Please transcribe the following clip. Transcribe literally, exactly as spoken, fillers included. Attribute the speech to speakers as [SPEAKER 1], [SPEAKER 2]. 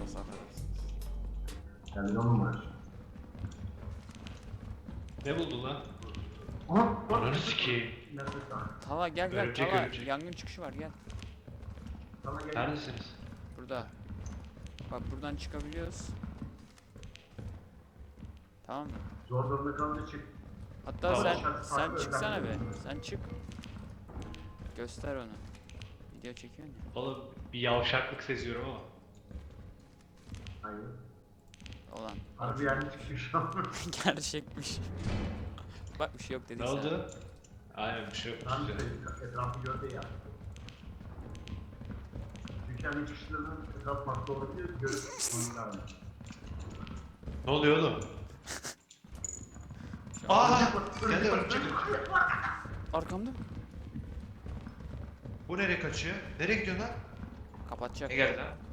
[SPEAKER 1] hasar.
[SPEAKER 2] Yani onun var.
[SPEAKER 3] Ne buldun lan?
[SPEAKER 2] Aha!
[SPEAKER 3] Ananı sikeyim.
[SPEAKER 2] Nefes al.
[SPEAKER 1] Tala gel gel
[SPEAKER 3] Örümcek,
[SPEAKER 1] Tala.
[SPEAKER 3] örümcek.
[SPEAKER 1] Yangın çıkışı var gel.
[SPEAKER 2] Sana gel.
[SPEAKER 3] Neredesiniz?
[SPEAKER 1] Burada. Bak buradan çıkabiliyoruz. Tamam mı?
[SPEAKER 2] Zor durumda kalınca çık.
[SPEAKER 1] Hatta
[SPEAKER 3] Tamam.
[SPEAKER 1] sen sen çıksana be. Sen çık. Göster onu. Video çekiyorsun ya.
[SPEAKER 3] Oğlum bir yavşaklık seziyorum ama.
[SPEAKER 2] Hayır.
[SPEAKER 1] Olan.
[SPEAKER 2] Harbi yani çıkıyor şu an.
[SPEAKER 1] Gerçekmiş. Bak bir şey yok dedik
[SPEAKER 3] Ne
[SPEAKER 1] sana.
[SPEAKER 3] oldu? Aynen bir şey yok.
[SPEAKER 2] Lan
[SPEAKER 3] Güzel.
[SPEAKER 2] işte etrafı gördü ya. Çünkü hani çıkışlarının etraf farklı olabilir. Görüp onun lazım.
[SPEAKER 3] Ne oluyor oğlum?
[SPEAKER 1] Şu an-
[SPEAKER 3] Aa! Geldi örümcek.
[SPEAKER 1] Arkamda mı?
[SPEAKER 3] Bu nereye kaçıyor? Nereye gidiyor lan?
[SPEAKER 1] Kapatacak.
[SPEAKER 3] Ne geldi lan?